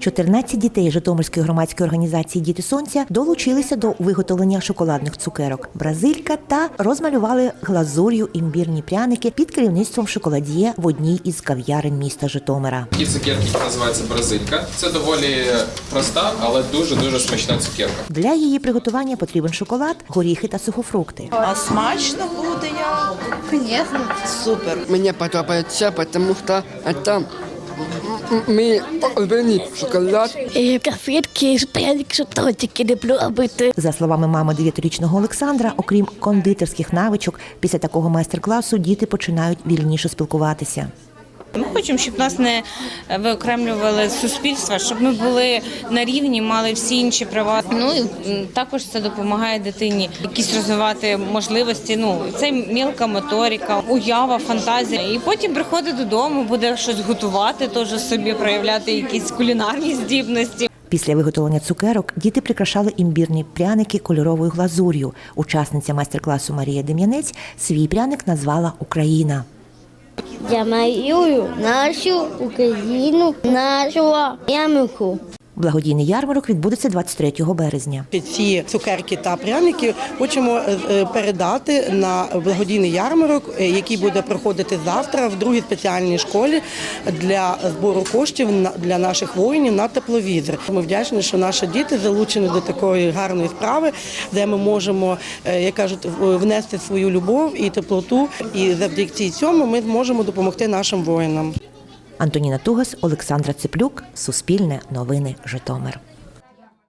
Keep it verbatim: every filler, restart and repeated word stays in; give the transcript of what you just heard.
чотирнадцять дітей Житомирської громадської організації «Діти Сонця» долучилися до виготовлення шоколадних цукерок «Бразилька» та розмалювали глазур'ю імбірні пряники під керівництвом шоколад'є в одній із кав'ярень міста Житомира. Такі цукерки називаються «Бразилька». Це доволі проста, але дуже-дуже смачна цукерка. Для її приготування потрібен шоколад, горіхи та сухофрукти. А смачно буде як? Конечно. Супер. Мне подобается, потому что это мій улюблений шоколад. Конфетки, пряники, тортики люблю робити. За словами мами дев'ятирічного Олександра, окрім кондитерських навичок, після такого майстер-класу діти починають вільніше спілкуватися. Ми хочемо, щоб нас не виокремлювали з суспільства, щоб ми були на рівні, мали всі інші права. Ну і також це допомагає дитині якісь розвивати можливості. Ну це мілка моторика, уява, фантазія. І потім приходить додому, буде щось готувати, теж собі проявляти якісь кулінарні здібності. Після виготовлення цукерок діти прикрашали імбірні пряники кольоровою глазур'ю. Учасниця майстер-класу Марія Дем'янець свій пряник назвала «Україна». Я малюю нашу Україну, нашу ямку. Благодійний ярмарок відбудеться двадцять третього березня. Ці цукерки та пряники хочемо передати на благодійний ярмарок, який буде проходити завтра в другій спеціальній школі для збору коштів для наших воїнів на тепловізор. Ми вдячні, що наші діти залучені до такої гарної справи, де ми можемо, як кажуть, внести свою любов і теплоту. І завдяки цьому ми зможемо допомогти нашим воїнам. Антоніна Тугас, Олександра Циплюк, Суспільне новини, Житомир.